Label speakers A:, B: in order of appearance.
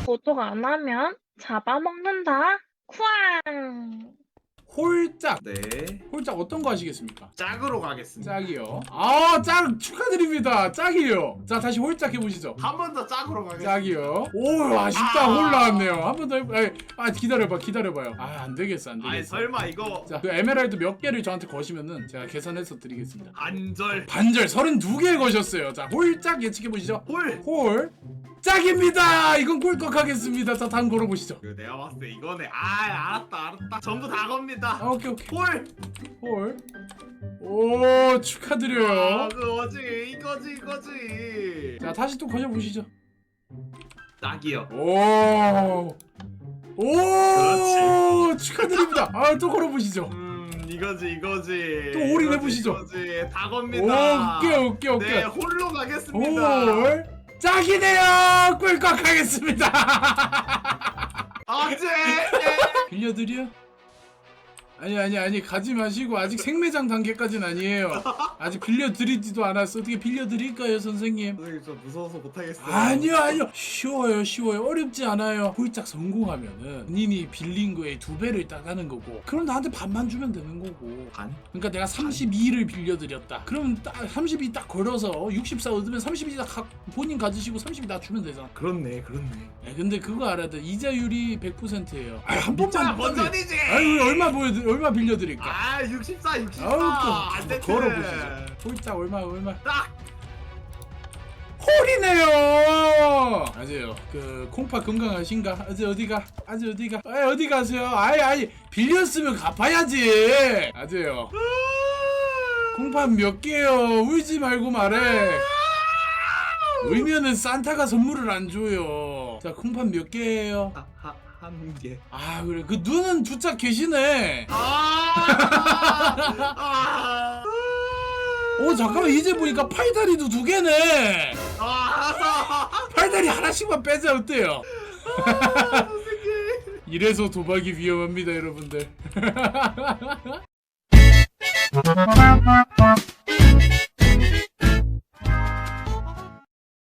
A: 도둑 안 하면 잡아먹는다. 쿠앙.
B: 홀짝.
C: 네.
B: 홀짝 어떤 거 하시겠습니까?
C: 짝으로 가겠습니다.
B: 짝이요. 아, 짝 축하드립니다. 짝이요. 자, 다시 홀짝 해보시죠.
C: 한 번 더 짝으로 가겠습니다.
B: 짝이요. 오, 아쉽다. 홀 나왔네요. 한 번 더 해봐. 기다려봐요. 아, 안 되겠어.
C: 아니 설마 이거
B: 자, 그 에메랄드 몇 개를 저한테 거시면은 제가 계산해서 드리겠습니다.
C: 반절
B: 반절 32개 거셨어요. 자, 홀짝 예측해보시죠.
C: 홀.
B: 짝입니다. 이건 꿀꺽하겠습니다. 자, 다음 걸어보시죠.
C: 이거 내가 봤을 때 이거네. 아 알았다. 전부 다 겁니다.
B: 아, 오케이.
C: 홀.
B: 오, 축하드려요.
C: 그거지 이거지.
B: 자, 다시 또 거셔보시죠.
C: 짝이요.
B: 오,
C: 그렇지.
B: 축하드립니다. 아, 또 걸어보시죠.
C: 이거지.
B: 또 올인해보시죠.
C: 이거지. 다 겁니다.
B: 오케이.
C: 네 홀로 가겠습니다.
B: 홀. 짝이네요. 꿀꺽하겠습니다.
C: 아재.
B: 빌려드려? 아니 가지 마시고 아직 생매장 단계까지는 아니에요. 아직 빌려드리지도 않았어. 어떻게 빌려드릴까요, 선생님?
C: 선생님 저 무서워서 못하겠어요.
B: 아니요. 쉬워요. 어렵지 않아요. 홀짝 성공하면은 본인이 빌린 거에 2배를 따가는 거고, 그럼 나한테 반만 주면 되는 거고.
C: 반?
B: 그러니까 내가 32를 빌려드렸다. 그러면 딱 32 딱 걸어서 64 얻으면 32 딱 본인 가지시고 32 나 주면 되잖아.
C: 그렇네.
B: 근데 그거 알아야 돼. 이자율이 100%예요. 한
C: 진짜
B: 번만
C: 번전이지.
B: 아유, 얼마 빌려드릴까?
C: 64.
B: 아우,
C: 안 됐지.
B: 걸어보시죠. 홀짝 얼마?
C: 딱.
B: 홀이네요. 맞아요. 그 콩파 건강하신가? 어디 가세요? 아이 빌렸으면 갚아야지. 맞아요. 콩파 몇 개요? 울지 말고 말해. 울면은 산타가 선물을 안 줘요. 자, 콩파 몇 개예요?
C: 한 개.
B: 아, 그래. 그 눈은 두짝 계시네. 오, 잠깐만, 이제 보니까 팔다리도 2개네. 팔다리 하나씩만 빼자. 어때요? 이래서 도박이 위험합니다, 여러분들.